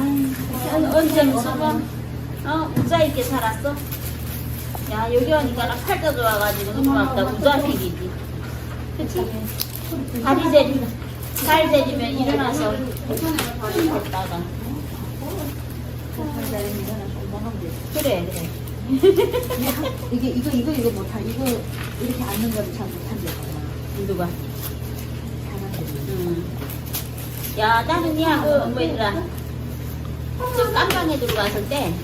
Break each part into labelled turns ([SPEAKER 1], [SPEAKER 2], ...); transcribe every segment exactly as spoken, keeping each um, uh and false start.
[SPEAKER 1] 언제 무슨 뭐, 어, 우자 있게 살았어? 야, 여기 오니까 나 팔자 좋아가지고 너무 왔다. 우자 생기지. 그치? 다리 재리면, 발 재리면 일어나서 걷다가. 그래, 그래.
[SPEAKER 2] 이게 이거 이거 이거 못하 이거 이렇게 앉는 거를 잘 못한대.
[SPEAKER 1] 누가? 음. 야, 나는 야, 그, 뭐더라. 저 깜방에 들어갔을 때.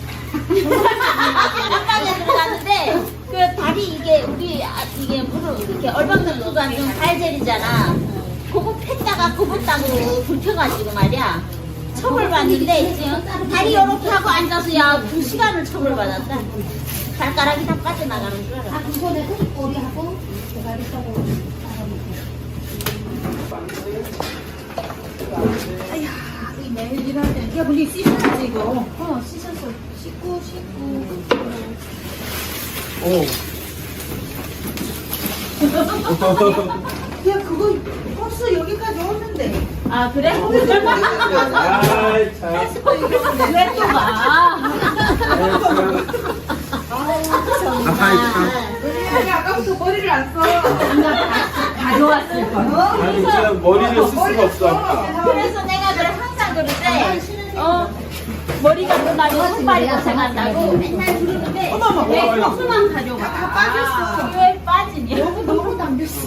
[SPEAKER 1] 깜방에 들어갔는데, 그 다리 이게, 우리, 아, 이게 무릎 이렇게 얼방등도 앉은 발젤이잖아. 그거 폈다가 굽었다고 불켜가지고 말이야. 처벌받는데, 지금 다리 이렇게 하고 앉아서 야, 두 시간을 처벌받았다. 발가락이 다 빠져나가는 줄 알아.
[SPEAKER 2] 아 그거는 꼬리하고 대가리 쪽으로 아야 이 매일 일할 때 야 우리 씻었지 이거 어 씻었어 씻고 씻고
[SPEAKER 3] 오.
[SPEAKER 2] 야 그거 버스 여기까지 오는데
[SPEAKER 1] 아, 그래?
[SPEAKER 3] 아이, 참.
[SPEAKER 1] 왜 또 가?
[SPEAKER 3] 아이, 참.
[SPEAKER 2] 아니 아까부터 머리를 안 써.
[SPEAKER 1] 가져왔을 거야.
[SPEAKER 3] 아니, 진짜 머리를 쓸 수가 없어.
[SPEAKER 1] 그래서 내가 그래 항상 그러는데, 어, 머리가 끝나면 손발이 고생한다고 맨날 그러는데, 왜 코스만 가져가? 다 빠졌어. 왜 빠지니?
[SPEAKER 2] 너무 너무 담겼어.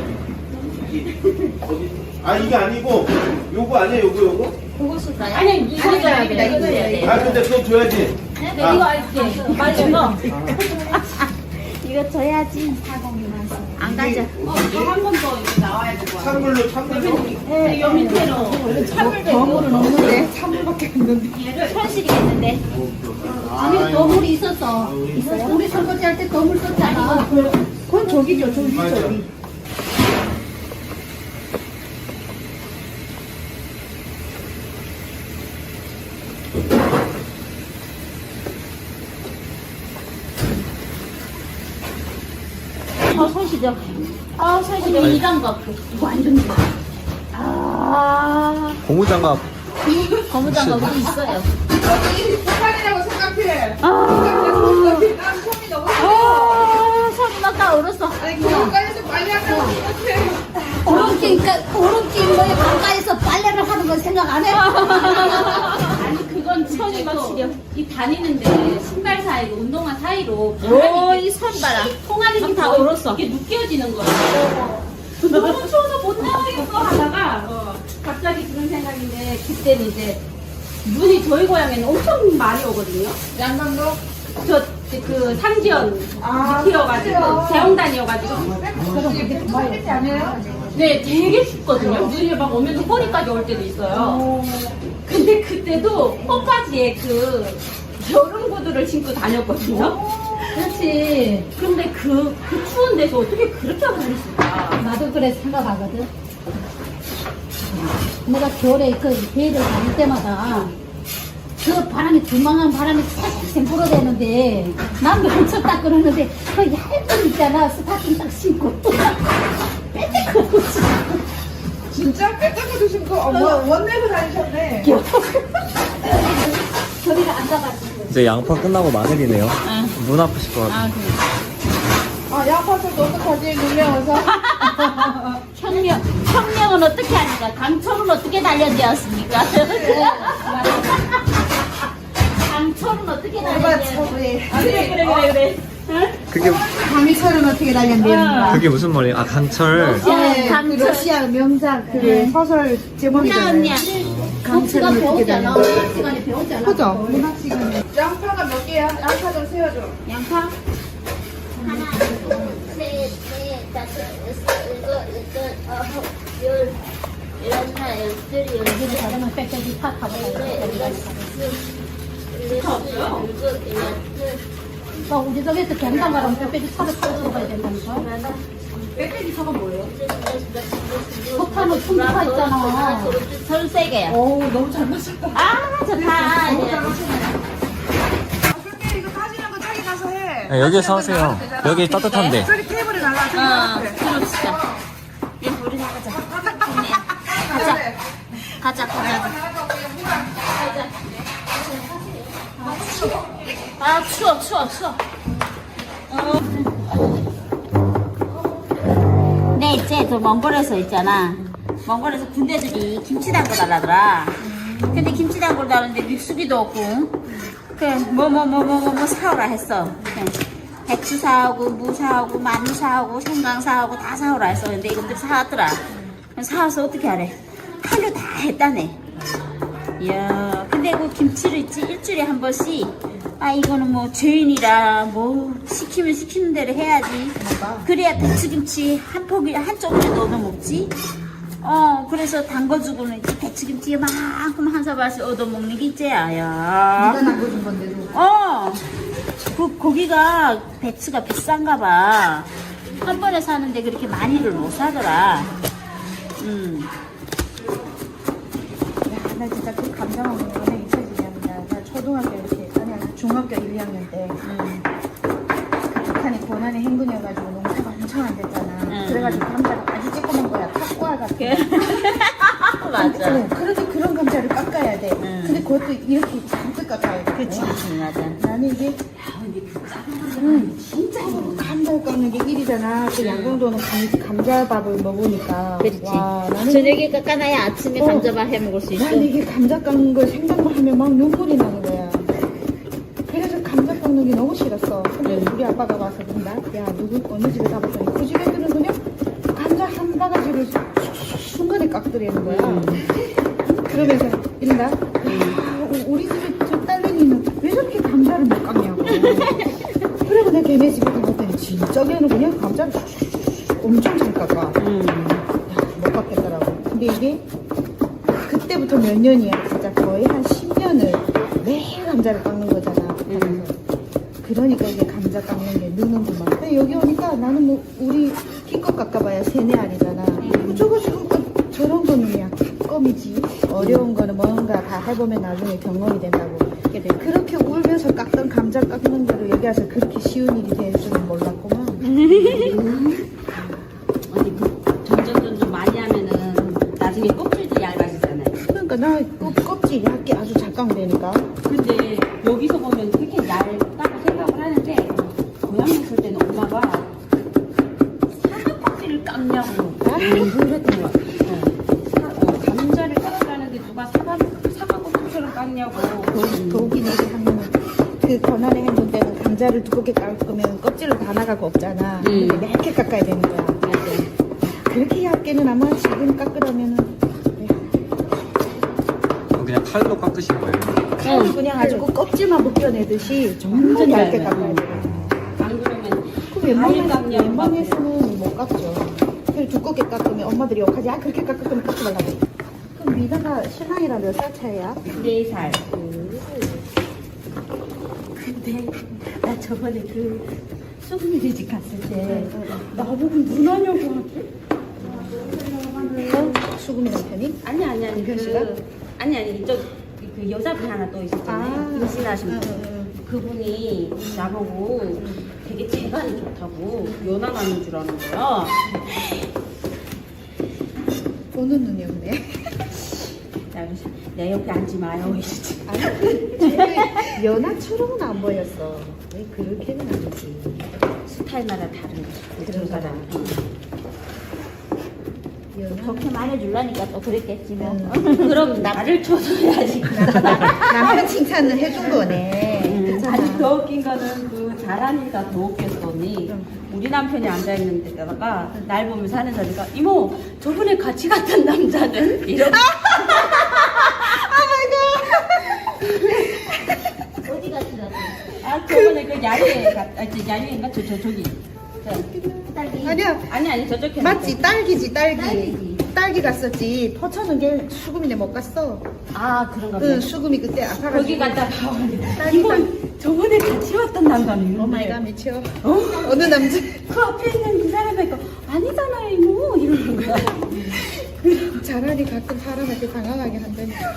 [SPEAKER 3] 아, 이게 아니고, 요거 아니야, 요거, 요거?
[SPEAKER 1] 그거 쓸까요? 아니, 이거 줘야 돼. 이거 줘야 돼.
[SPEAKER 3] 아, 근데 그거 줘야지.
[SPEAKER 1] 네, 이거 알지? 말린 거. 이거 줘야지. 안 가져.
[SPEAKER 4] 한 번 더 이렇게 나와야 되고.
[SPEAKER 3] 찬물로, 찬물로.
[SPEAKER 1] 네, 요 밑에로. 찬물
[SPEAKER 2] 거물은 없는데 찬물밖에 없는데.
[SPEAKER 1] 현실이겠는데.
[SPEAKER 2] 아니 거물이 있었어. 있어요? 우리 설거지 할 때 거물 썼잖아. 그건 저기죠 저기
[SPEAKER 3] 맞아.
[SPEAKER 2] 저기.
[SPEAKER 1] 아, 손 시려. 아, 손 시려. 이 장갑. 이거 완전 좋아. 아,
[SPEAKER 5] 고무장갑.
[SPEAKER 1] 고무장갑이 있어요.
[SPEAKER 4] 여기 북한이라고 생각해.
[SPEAKER 1] 아,
[SPEAKER 4] 난 손이 너무
[SPEAKER 1] 아, 손이 막 다 얼었어.
[SPEAKER 4] 아니 교육관에서 빨리 한다고 생각해.
[SPEAKER 2] 오른끼니까 오른끼 뭐에 가까이서 빨래를 하는 건 생각 안 해?
[SPEAKER 4] 아니 그건
[SPEAKER 1] 손이 막 시려.
[SPEAKER 4] 이 다니는데 신발 사이로 운동화 사이로
[SPEAKER 1] 오, 이 손 봐라.
[SPEAKER 4] 통아리
[SPEAKER 1] 다 얼었어.
[SPEAKER 4] 이게 느껴지는 거예요. 너무 추워서 못 나가겠어 하다가 어, 갑자기 그런 생각인데 그때는 이제 눈이 저희 고향에는 엄청 많이 오거든요.
[SPEAKER 2] 양강도
[SPEAKER 4] 저 그 상지연 밑이어가지고 재홍단이어가지고
[SPEAKER 2] 그렇게 아니에요?
[SPEAKER 4] 네 되게 춥거든요. 눈이 막 오면서 허리까지 올 때도 있어요. 근데 그때도 홈바지에 그 여름 구두를 신고 다녔거든요.
[SPEAKER 2] 그렇지.
[SPEAKER 4] 근데 그, 그 추운 데서 어떻게 그렇게 하고 다녔을까?
[SPEAKER 2] 나도 그래 생각하거든. 내가 겨울에 그 배를 다닐 때마다 그 바람이 두망한 바람이 쌩쌩 불어대는데 난 면접 딱 그러는데 그 얇은 있잖아 스타킹 딱 신고 빼빼하고
[SPEAKER 4] 진짜 빼딱하고 신고 어, 뭐, 원내고 다니셨네.
[SPEAKER 2] 저리가 앉아가지고
[SPEAKER 5] 이제 양파 끝나고 마늘이네요.
[SPEAKER 1] 응.
[SPEAKER 5] 눈 아프실 것 같아요.
[SPEAKER 1] 아, 그래.
[SPEAKER 4] 아, 양파도 어떡하지? 눈매워서.
[SPEAKER 1] 혁명, 혁명은 어떻게 하니까? 강철은 어떻게 단련되었습니까? 강철은 어떻게 단련되었습니까? 아, 그래, 그래, 그래, 그래. 응?
[SPEAKER 5] 그게
[SPEAKER 2] 강철은 어떻게 단련되는가?
[SPEAKER 5] 그게 무슨 말이에요? 아 강철.
[SPEAKER 1] 네,
[SPEAKER 2] 그
[SPEAKER 1] 강철.
[SPEAKER 2] 러시아 명작 그 소설
[SPEAKER 1] 나
[SPEAKER 2] 제목이잖아요.
[SPEAKER 1] 언니야.
[SPEAKER 2] 강철은 어떻게
[SPEAKER 1] 배웠잖아.
[SPEAKER 2] 단련?
[SPEAKER 1] 문학 시간에 배웠잖아.
[SPEAKER 2] 그죠? 문학 시간에.
[SPEAKER 4] 양파가 몇 개야? 양파 좀 세워줘.
[SPEAKER 1] 양파? 하나, 둘, 셋, 넷, 다섯, 여섯, 일곱, 여덟, 아홉, 열, 열하나, 열둘, 열셋,
[SPEAKER 2] 다르면 빽빽이 팍 하고
[SPEAKER 1] 일곱, 일곱, 여덟,
[SPEAKER 2] 또 우리 집에서 경상 가면 빽빽이 차를 타고 가야 된다니까.
[SPEAKER 4] 빼빼기 사과 뭐예요?
[SPEAKER 2] 석탄은 충분하 있잖아.
[SPEAKER 1] 전 세게요.
[SPEAKER 2] 어우 너무 잘 마셨다.
[SPEAKER 1] 아, 좋다.
[SPEAKER 4] 근데 이거 따지는 거 저기 가서 해.
[SPEAKER 5] 네, 여기서 하세요. 여기 따뜻한데.
[SPEAKER 4] 저기 테이블에 날라. 저기
[SPEAKER 1] 어,
[SPEAKER 4] 앞에.
[SPEAKER 1] 그럽시다. 얘 우리 나가자. 좋네. 가자. 가자, 가자.
[SPEAKER 4] 나가고 그냥 물안
[SPEAKER 1] 가자. 아 추워 추워 추워. 어. 네 이제 저 몽골에서 있잖아. 몽골에서 군대들이 김치 담궈달라더라. 근데 김치 담궈달라는데 믹수기도 없고 그래 뭐 뭐 뭐 뭐 뭐 뭐 사오라 했어. 그래. 배추 사오고 무 사오고 마늘 사오고 생강 사오고 다 사오라 했어. 근데 이것들 사왔더라. 사와서 어떻게 하래? 하루 다 했다네. 이야 근데 그 김치를 있지 일주일에 한 번씩 아 이거는 뭐 죄인이라 뭐 시키면 시키는 대로 해야지. 그래야 배추김치 한 포기 한 쪽으로 얻어 먹지. 어 그래서 담궈주고는 이제 배추김치 이만큼 한 사발씩 얻어 먹는 게 있지야. 야.
[SPEAKER 2] 네가 남겨준 건데도.
[SPEAKER 1] 어. 그 고기가 배추가 비싼가 봐. 한 번에 사는데 그렇게 많이를 못 사더라. 음.
[SPEAKER 6] 야, 나 진짜 그 감정 없는 거는 잊혀지냐. 나 초등학교 이렇게, 아니, 아니, 중학교 일, 이 학년 때,
[SPEAKER 1] 음.
[SPEAKER 6] 그 북한이 고난의 행군이어가지고 농사가 엄청 안 됐잖아.
[SPEAKER 1] 음.
[SPEAKER 6] 그래가지고 감자가 아주 쬐끄만 거야. 탁구알 같은 거.
[SPEAKER 1] 맞아.
[SPEAKER 6] 어, 그래도 그런 감자를 깎아야 돼.
[SPEAKER 1] 음.
[SPEAKER 6] 근데 그것도 이렇게 잔뜩 깎아야 돼.
[SPEAKER 1] 그치, 그치, 맞아.
[SPEAKER 6] 나는 이게, 음, 진짜 감자 깎는 게 일이잖아. 그 양궁도는 감, 감자밥을 먹으니까.
[SPEAKER 1] 그렇지.
[SPEAKER 6] 와, 나는
[SPEAKER 1] 저녁에 깎아놔야 아침에
[SPEAKER 6] 어.
[SPEAKER 1] 감자밥 해 먹을 수 있어.
[SPEAKER 6] 나는 이게 감자 깎는 걸 생각만 하면 막 눈물이 나는 거야. 그래서 감자 깎는 게 너무 싫었어. 근데 우리 아빠가 와서 그런다. 야, 누구 어느 집에 가봤더니 그 집 애들은 그냥 감자 한 바가지를 순간에 깎더라는 거야. 그러면서 이런다. 야, 우리 집에 저 딸내미는 왜 저렇게 감자를 못 깎냐고. 그리고 내가 걔네 집에 가봤더니 진짜 걔는 그냥 감자를 엄청 잘 깎아.
[SPEAKER 1] 음.
[SPEAKER 6] 못 깎겠더라고. 근데 이게 그때부터 몇 년이야. 진짜 거의 한 십 년을 매일 감자를 깎는 거잖아.
[SPEAKER 1] 음.
[SPEAKER 6] 그러니까 이게 감자 깎는 게 느는구만. 근데 여기 오니까 나는 뭐 우리 키껏 깎아봐야 세네 알이잖아. 뭐 저거 지금 그 저런 거는 그냥 껌이지. 어려운 거는 뭔가 다 해보면 나중에 경험이 된다고. 그렇게 울면서 깎던 감자 깎는 거를 여기 와서 그렇게 쉬운 일이 될 줄은 몰랐구만.
[SPEAKER 4] 언니 그 점점 점점 많이 하면은 나중에 껍질도 얇아지잖아요.
[SPEAKER 6] 그러니까 나 껍, 껍질이 얇게 아주 잘 깎되니까.
[SPEAKER 4] 근데 여기서 보면 그렇게 얇다고 생각을 하는데 고향에 있을 때는 엄마가 사과 껍질을 깎냐고 그랬던 거야. 어. 사- 어, 감자를 깎으라는데 누가 사과 사과 껍질처럼 깎냐고.
[SPEAKER 6] 독이 내게 하면 그 권한의 행동 때는 감자를 두껍게 깎으면 껍질은 다 나가고 없잖아.
[SPEAKER 4] 음.
[SPEAKER 6] 근데 얇게 깎아야 되는 거야. 그렇게 얇게는 아마 지금 깎으려면은
[SPEAKER 5] 그냥 칼로 깎으신 거예요?
[SPEAKER 6] 칼을 그냥 아주 그 껍질만 벗겨내듯이 정말 얇게 깎아야 돼.
[SPEAKER 4] 안 그러면
[SPEAKER 6] 그 웬만해서,
[SPEAKER 4] 깎냐고.
[SPEAKER 6] 웬만해서는 못 깎죠. 그래서 두껍게 깎으면 엄마들이 욕하지. 아 그렇게 깎으면 깎지 말라고. 그럼 미나가 신랑이랑 몇 살 차이야?
[SPEAKER 4] 네 살.
[SPEAKER 6] 근데 나 저번에 그 수근이네 집 갔을 때 나보고 누나냐고 하지? 어? 수근이 남편이?
[SPEAKER 4] 아니 아니 아니
[SPEAKER 6] 이현
[SPEAKER 4] 그
[SPEAKER 6] 씨가?
[SPEAKER 4] 아니 아니 이쪽 그 여자분 하나 또 있었잖아요. 임신하신
[SPEAKER 6] 응,
[SPEAKER 4] 분.
[SPEAKER 6] 응, 응.
[SPEAKER 4] 그분이 나보고 되게 재간이 좋다고 연하가는 줄 아는 거야.
[SPEAKER 6] 보는 눈이 없네.
[SPEAKER 4] 야, 내 옆에 앉지 마요. 이러지.
[SPEAKER 6] 아니, 쟤 연하처럼은 안 보였어. 왜 그렇게는 아니지.
[SPEAKER 4] 스타일마다 다른 거지.
[SPEAKER 6] 그런 사람. 연하?
[SPEAKER 1] 좋게 말해주려니까 또 그랬겠지 뭐.
[SPEAKER 4] 그럼 나를 쳐줘야지.
[SPEAKER 6] 남편 칭찬을 해준 거네. 괜찮아.
[SPEAKER 4] 아니 더 웃긴 거는 그 잘하니까 더 웃겼어 언니. 우리 남편이 앉아있는 데다가 날 보면서 하는 소리가 이모 저번에 같이 갔던 남자는? 이러고
[SPEAKER 1] 어디 갔더라고?
[SPEAKER 4] 아 저번에 그 야유회 갔.. 아 저 야유회인가? 저, 저 저기 저,
[SPEAKER 1] 딸기.
[SPEAKER 6] 아니야.
[SPEAKER 4] 아니 아니 저쪽에
[SPEAKER 6] 맞지? 딸기지, 딸기.
[SPEAKER 1] 딸기지.
[SPEAKER 6] 딸기 갔었지. 포천은 걔 수금이네 못 갔어.
[SPEAKER 4] 아 그런가
[SPEAKER 6] 응,
[SPEAKER 4] 보네.
[SPEAKER 6] 수금이 그때 아파가지고.
[SPEAKER 4] 거기 갔다가
[SPEAKER 6] 딸기
[SPEAKER 4] 이모
[SPEAKER 6] 딸-
[SPEAKER 4] 저번에 같이 왔던 남자는
[SPEAKER 6] 오마이갓 미쳐.
[SPEAKER 4] 어?
[SPEAKER 6] 어느 남자?
[SPEAKER 4] 그 앞에 있는 그 사람이니까 아니잖아요 이모 이러는 거야.
[SPEAKER 6] 차라리 가끔 사람한테 당황하게 한다니까.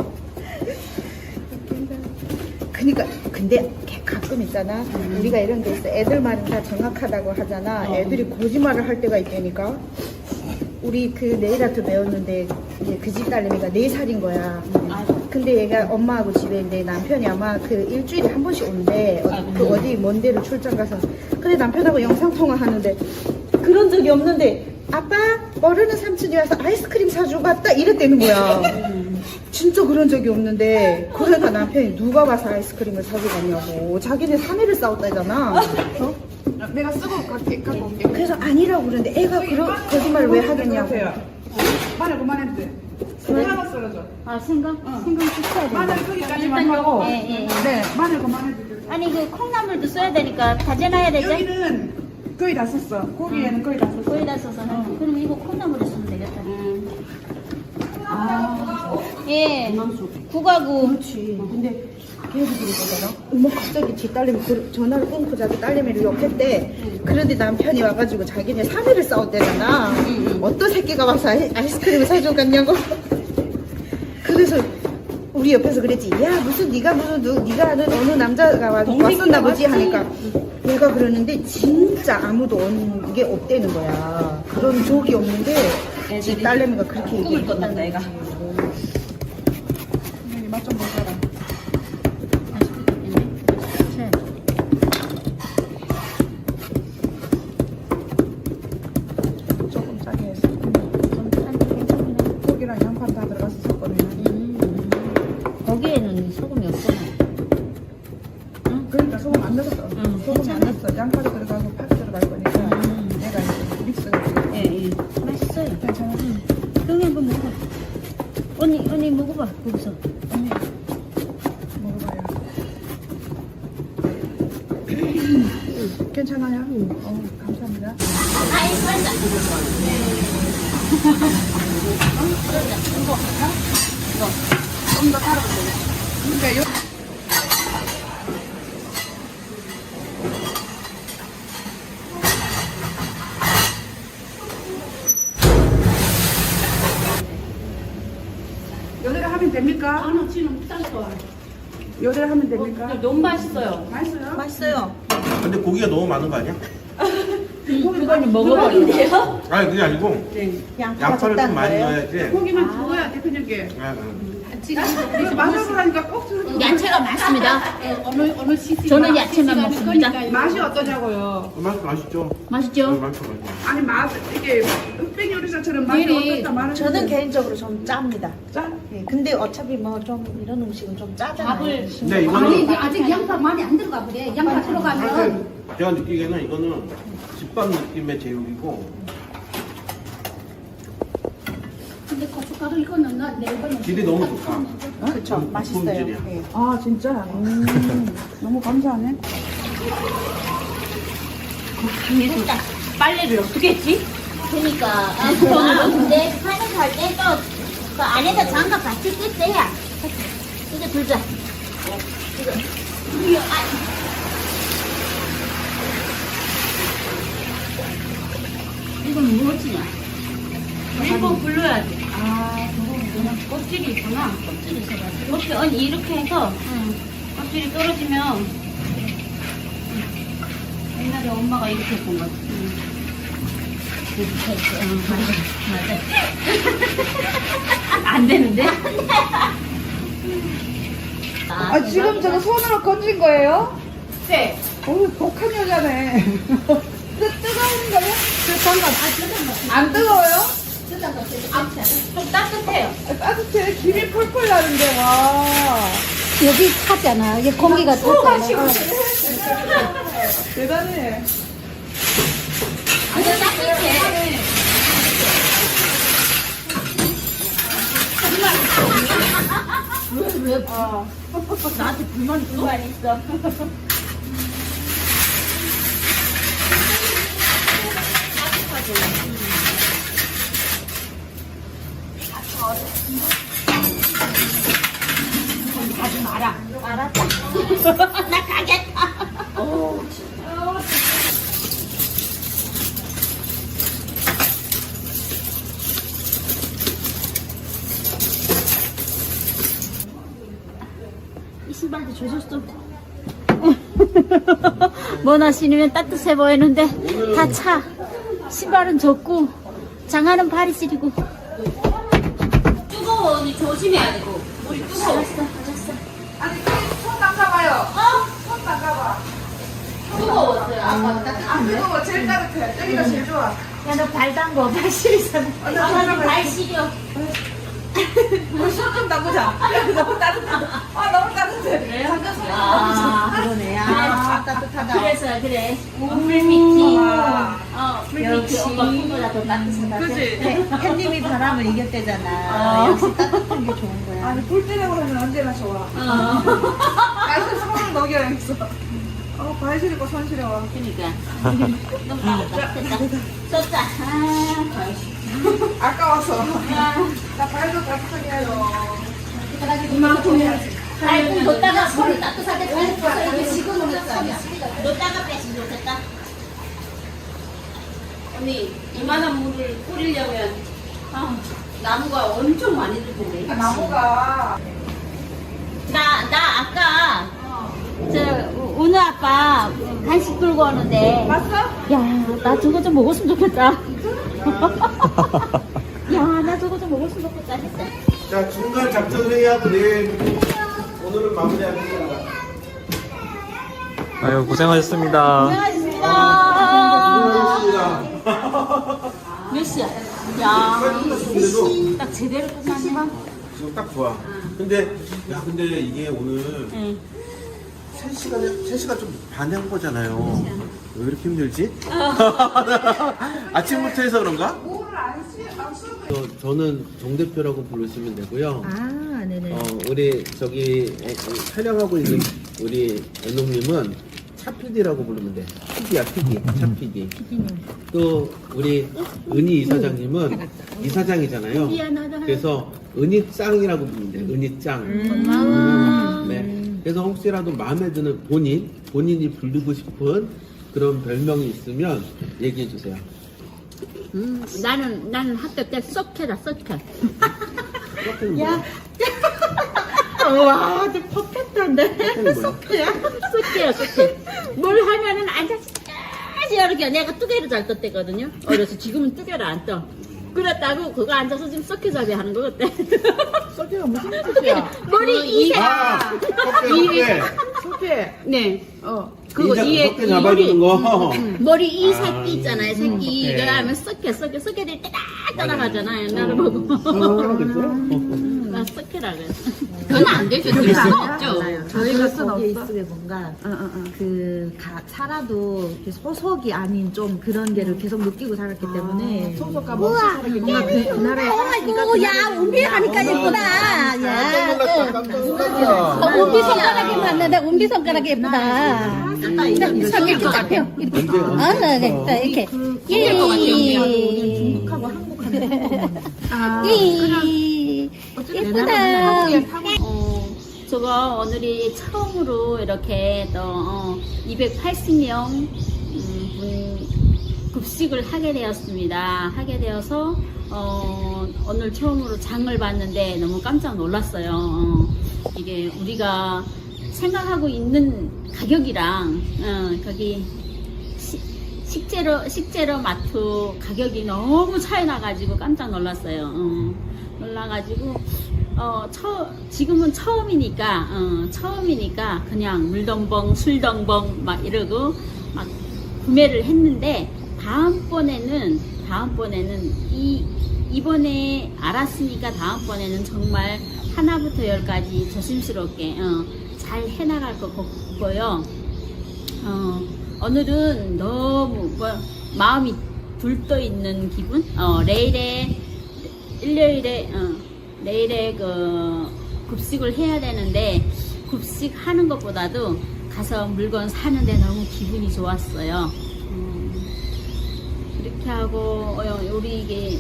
[SPEAKER 6] 웃긴다. 그니까 근데 걔 가끔 있잖아. 우리가 이런 데 있어. 애들 말은 다 정확하다고 하잖아.
[SPEAKER 4] 어.
[SPEAKER 6] 애들이 거짓말을 할 때가 있다니까. 우리 그 네일 아트 배웠는데 이제 그 집 딸내미가 네 살인 거야.
[SPEAKER 4] 아이고.
[SPEAKER 6] 근데 얘가 엄마하고 집에 있는데 남편이 아마 그 일주일에 한 번씩 온대. 어, 그 어디 먼 데로 출장 가서. 근데 남편하고 영상통화 하는데 그런 적이 없는데 아빠 모르는 삼촌이 와서 아이스크림 사주고 갔다 이랬다는 거야. 진짜 그런 적이 없는데 그러니까 남편이 누가 와서 아이스크림을 사주고 갔냐고. 자기네 사내를 싸웠다잖아. 어?
[SPEAKER 7] 내가 쓰고 갈게, 갖고 올게.
[SPEAKER 6] 그래서 아니라고 그러는데 애가 그런 거짓말을 왜 하겠냐고.
[SPEAKER 7] 마늘 그만해도 돼. 하나 썰어줘.
[SPEAKER 2] 아 생강? 생강 씻어야 돼.
[SPEAKER 7] 마늘 거기까지만 하고.
[SPEAKER 1] 예, 예, 예.
[SPEAKER 7] 네, 마늘 그만해도 돼.
[SPEAKER 1] 아니 그 콩나물도 써야 되니까 다져놔야 되지?
[SPEAKER 7] 여기는 거의 다 썼어. 고기에는 거의 다 썼어.
[SPEAKER 1] 거의 다 써서 그럼 이거 콩나물에 쓰면 되겠다.
[SPEAKER 7] 아,
[SPEAKER 1] 예. 국하고
[SPEAKER 6] 그렇지. 근데 걔네들이 그러잖아. 어머 갑자기 지 딸내미 그- 전화를 끊고 자기 딸내미를 욕했대. 그런데 남편이 와가지고 자기네 사내를 싸웠대잖아. 어떤 새끼가 와서 아이, 아이스크림을 사주고 갔냐고. 그래서 우리 옆에서 그랬지. 야 무슨 네가 무슨 누, 네가 아는 어느 남자가 와, 왔었나 보지 하니까 얘가 그러는데 진짜 아무도 온 게 없대는 거야. 그런 적이 없는데 지 딸내미가 그렇게 얘기해.
[SPEAKER 4] 꿈을 꿨단다 애가.
[SPEAKER 7] 맛좀 보자라. 조금 짜게 해서. 고기랑 양파 다 들어가서 섞거든요.
[SPEAKER 1] 거기에는 소금이 없구나.
[SPEAKER 7] 그러니까 소금 안 넣었어. 소금 안 넣었어. 양파도 들어가고 파도 들어갈 거니까 내가 이제 믹스해서.
[SPEAKER 1] 예, 예. 맛있어요.
[SPEAKER 7] 괜찮아.
[SPEAKER 1] 형이 한번 먹어봐. 언니, 언니 먹어봐. 거기서.
[SPEAKER 7] 언니 먹어봐요. 괜찮아요? 어, 감사합니다.
[SPEAKER 1] 아이, 맞아.
[SPEAKER 7] 그러니까 요 요대로 하면 됩니까?
[SPEAKER 2] 나는 지금 쌀거
[SPEAKER 7] 요대로 하면 됩니까?
[SPEAKER 4] 너무 맛있어요.
[SPEAKER 7] 맛있어요?
[SPEAKER 6] 맛있어요.
[SPEAKER 3] 근데 고기가 너무 많은 거 아니야?
[SPEAKER 4] 그거는 먹어버린대요.
[SPEAKER 3] 아니 그게 아니고
[SPEAKER 6] 양파가
[SPEAKER 3] 양파를 좀
[SPEAKER 6] 적다는
[SPEAKER 3] 많이
[SPEAKER 6] 거예요.
[SPEAKER 3] 넣어야지.
[SPEAKER 7] 고기만 구워야 대표님께.
[SPEAKER 3] 아, 아.
[SPEAKER 7] 이거 맛을 하니까 꼭 들어.
[SPEAKER 1] 야채가 많습니다.
[SPEAKER 2] 어느 어느 시즌
[SPEAKER 1] 저는 야채만 먹습니다.
[SPEAKER 7] 맛이 어떠냐고요?
[SPEAKER 3] 맛 맛있죠?
[SPEAKER 1] 맛있죠?
[SPEAKER 3] 어, 맛있어 맛있어.
[SPEAKER 7] 아니 맛 이게 흑백 요리사처럼 맛이
[SPEAKER 6] 미리
[SPEAKER 7] 어떻다 말하는
[SPEAKER 6] 저는 개인적으로 좀 짭니다.
[SPEAKER 7] 짜?
[SPEAKER 6] 예, 근데 어차피 뭐 좀 이런 음식은 좀 짜잖아요.
[SPEAKER 2] 밥을
[SPEAKER 3] 근데
[SPEAKER 2] 아니
[SPEAKER 3] 이거는
[SPEAKER 2] 이제 아직 양파 많이 안 들어가 그래. 양파 들어가면
[SPEAKER 3] 사실 제가 느끼기에는 이거는 집밥 느낌의 제육이고
[SPEAKER 2] 근데 고춧가루 이거는 나 내일번에
[SPEAKER 3] 질이 너무 좋다.
[SPEAKER 6] 그렇죠.
[SPEAKER 3] 음,
[SPEAKER 6] 맛있어요.
[SPEAKER 3] 품질이야.
[SPEAKER 6] 예.
[SPEAKER 7] 아 진짜? 음, 너무 감사하네.
[SPEAKER 1] 일단
[SPEAKER 4] 빨래를 어떻게 했지?
[SPEAKER 1] 그러니까 아, 그거는 근데 파는 갈때또 그 안에서 장갑 같이 뜯어야 이거 들자. 이거 이거 아. 이건 무엇이냐?
[SPEAKER 4] 일본 불러야지. 아, 저거 그냥 껍질이 있구나.
[SPEAKER 1] 껍질이 있어가지고.
[SPEAKER 4] 이렇게, 아니, 이렇게 해서 껍질이 떨어지면 옛날에 엄마가 이렇게 했던 것 같아.
[SPEAKER 1] 이렇게 해서 응, 맞아. 맞아.
[SPEAKER 4] 안 되는데?
[SPEAKER 7] 아 지금 저거 손으로 건진 거예요?
[SPEAKER 4] 네.
[SPEAKER 7] 어우 독한 여자네. 뜨, 뜨거운 거요? 안 뜨거워요?
[SPEAKER 4] 좀 따뜻해요.
[SPEAKER 7] 아, 따뜻해. 김이 펄펄 나는데 와.
[SPEAKER 2] 여기 타잖아. 이게 공기가 타잖아.
[SPEAKER 7] 대단해.
[SPEAKER 1] 이거 따뜻해. 왜, 왜,
[SPEAKER 7] 아.
[SPEAKER 1] 나한테 불만이 불만 있어.
[SPEAKER 4] 가지 마라.
[SPEAKER 1] 알았다. 나 가겠다. 이 신발도 조졌어. 뭐나 신으면 따뜻해 보이는데 다 차. 신발은 젖고 장화는 발이 시리고.
[SPEAKER 4] 뜨거워. 언니 조심해야 되고.
[SPEAKER 7] 아니 손 닦아봐요.
[SPEAKER 1] 어?
[SPEAKER 7] 손 닦아봐.
[SPEAKER 1] 뜨거웠어요. 아까
[SPEAKER 7] 안 뜨거워. 제일 따뜻해. 여기가 제일 좋아.
[SPEAKER 1] 야너 발 담궈 발 시리잖아. 아, 발 시려.
[SPEAKER 7] 우리 손좀 닦으자. 너무 따뜻해. 아 너무 따뜻해.
[SPEAKER 1] 그래요?
[SPEAKER 7] 잠깐 손
[SPEAKER 1] 아,
[SPEAKER 6] 그러네.
[SPEAKER 1] 아,
[SPEAKER 6] 아, 따뜻하다.
[SPEAKER 1] 그래서 그래. 물밑이.
[SPEAKER 7] 와.
[SPEAKER 1] 어, 물밑이 오빠 꿈보다 더 따뜻하다.
[SPEAKER 7] 그치?
[SPEAKER 6] 햇님이 바람을 이겼대잖아.
[SPEAKER 1] 어.
[SPEAKER 6] 역시 따뜻한 게 좋은 거야.
[SPEAKER 7] 아니 불 때려고 하면 언제나 좋아.
[SPEAKER 1] 어.
[SPEAKER 7] 아이고 손을 녹여야겠어. 어, 발 시리고 손 시려워.
[SPEAKER 1] 그니까. 너무 따뜻다. 됐다. 쏟자. 아,
[SPEAKER 7] 아까워서.
[SPEAKER 1] 아.
[SPEAKER 7] 나 발도 따뜻하게 해요.
[SPEAKER 1] 이만큼 해야지. 아이고, 놓다가 손을 따뜻하게 빼서 이렇게 지금은 놓다가 빼시면 좋겠다.
[SPEAKER 4] 언니 이만한 물을 뿌리려면 아, 나무가 엄청 많이 들 텐데.
[SPEAKER 7] 나무가
[SPEAKER 1] 나, 나 아까, 저, 오늘 아빠 간식 들고 오는데.
[SPEAKER 7] 봤어?
[SPEAKER 1] 야, 나 저거 좀 먹었으면 좋겠다. 야, 나 저거 좀 먹었으면 좋겠다 했어.
[SPEAKER 3] 자, 중간 작전 회의하고 내일 오늘은 마무리하겠습니다.
[SPEAKER 5] 아유, 고생하셨습니다.
[SPEAKER 1] 고생하셨습니다.
[SPEAKER 3] 수고하셨습니다.
[SPEAKER 1] 몇 시야? 야,
[SPEAKER 3] 끝났는데도
[SPEAKER 1] 딱 제대로 끝났네.
[SPEAKER 3] 지금 딱 좋아. 근데, 야, 근데 이게 오늘
[SPEAKER 1] 응.
[SPEAKER 3] 세 시간에, 세 시간 좀 반한 거잖아요. 왜 이렇게 힘들지? 아침부터 해서 그런가? 저, 저는 정 대표라고 부르시면 되고요.
[SPEAKER 6] 아, 네네.
[SPEAKER 3] 어, 우리 저기 에, 에, 촬영하고 있는 우리 애놈님은 차피디라고 부르면 돼. 피디야, 피디. 차피디. 또 우리 은희 이사장님은 이사장이잖아요. 그래서 은희짱이라고 부르면 돼. 은희짱.
[SPEAKER 1] 고마워.
[SPEAKER 3] 네. 그래서 혹시라도 마음에 드는 본인, 본인이 부르고 싶은 그런 별명이 있으면 얘기해 주세요.
[SPEAKER 1] 음, 나는, 나는 학교 때 썩해다, 썩해.
[SPEAKER 3] 야.
[SPEAKER 6] 와, 저 퍼펙트한데.
[SPEAKER 1] 썩해요, 썩해. 뭘 하면은 앉아서 이렇게 내가 뚜개를 잘 떴대거든요. 어려서 지금은 뚜개를 안 떠. 그랬다고 그거 앉아서 지금 썩해잡이 하는 거 같대.
[SPEAKER 6] 소개가 무슨 뜻이야?
[SPEAKER 1] 머리 이세.
[SPEAKER 3] 아, 섭게,
[SPEAKER 6] 소개.
[SPEAKER 4] 네. 어.
[SPEAKER 3] 그거
[SPEAKER 4] 그거 이에
[SPEAKER 3] 섭게 잡아주는 거.
[SPEAKER 1] 머리 이
[SPEAKER 3] 아,
[SPEAKER 1] 새끼 있잖아요, 새끼.
[SPEAKER 3] 음,
[SPEAKER 1] 이거 하면 썩해, 썩해, 썩해들이 따닥따닥하잖아요. 나를
[SPEAKER 3] 어.
[SPEAKER 1] 보고.
[SPEAKER 3] 섭게라고 그랬어?
[SPEAKER 1] 나 썩해라 그래. 그건 안 되죠. 될 수가 없죠.
[SPEAKER 6] 저희가 거기에 있으면 뭔가 그 가, 살아도 이렇게 소속이 아닌 좀 그런 게를 계속 느끼고 살았기 때문에 소속감 없이 뭔가 그, 그 나라에
[SPEAKER 2] 어이구, 야, 운비 하니까 예쁘다.
[SPEAKER 3] 깜짝
[SPEAKER 2] 야.
[SPEAKER 3] 놀랐다, 깜짝 놀랐다.
[SPEAKER 2] 어, 운비 손가락이 맞는데 운비 손가락이 예쁘다. 손이 이렇게 잡혀. 이렇게.
[SPEAKER 3] 언제,
[SPEAKER 2] 어,
[SPEAKER 3] 언제
[SPEAKER 2] 네,
[SPEAKER 3] 했어?
[SPEAKER 2] 네, 이렇게. 이.
[SPEAKER 6] 중국하고 한국하는
[SPEAKER 2] 이. 예쁘다.
[SPEAKER 1] 어, 저거 오늘이 처음으로 이렇게 또 어, 이백팔십 명 음, 분 급식을 하게 되었습니다. 하게 되어서 어, 오늘 처음으로 장을 봤는데 너무 깜짝 놀랐어요. 어, 이게 우리가 생각하고 있는 가격이랑 어, 거기 시, 식재료 식재료 마트 가격이 너무 차이 나가지고 깜짝 놀랐어요. 어, 놀라가지고 어, 처, 지금은 처음이니까 어, 처음이니까 그냥 물덤벙 술덤벙 막 이러고 막 구매를 했는데 다음번에는 다음번에는 이 이번에 알았으니까 다음번에는 정말 하나부터 열까지 조심스럽게 어, 잘 해나갈 것 같고요. 어, 오늘은 너무 뭐, 마음이 들떠 있는 기분. 어, 내일에 일요일에 어, 내일에 그 급식을 해야 되는데 급식 하는 것보다도 가서 물건 사는데 너무 기분이 좋았어요. 음, 그렇게 하고 어, 우리 이게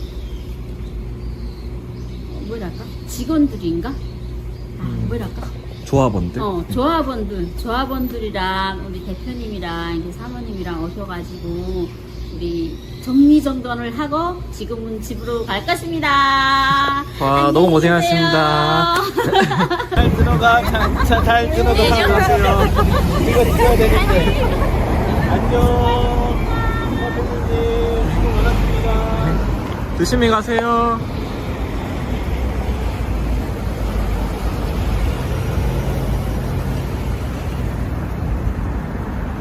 [SPEAKER 1] 어, 뭐랄까 직원들인가? 아, 뭐랄까?
[SPEAKER 5] 조합원들?
[SPEAKER 1] 어, 조합원들, 조합원들이랑 우리 대표님이랑 이렇게 사모님이랑 오셔가지고 우리 정리정돈을 하고 지금은 집으로 갈 것입니다.
[SPEAKER 5] 와, 너무 고생하셨습니다.
[SPEAKER 3] 잘 들어가, 잘, 잘, 잘 들어가. 가세요. 이거 찍어야 되는데. 안녕. 선생님, 수고 많았습니다.
[SPEAKER 5] 조심히 가세요.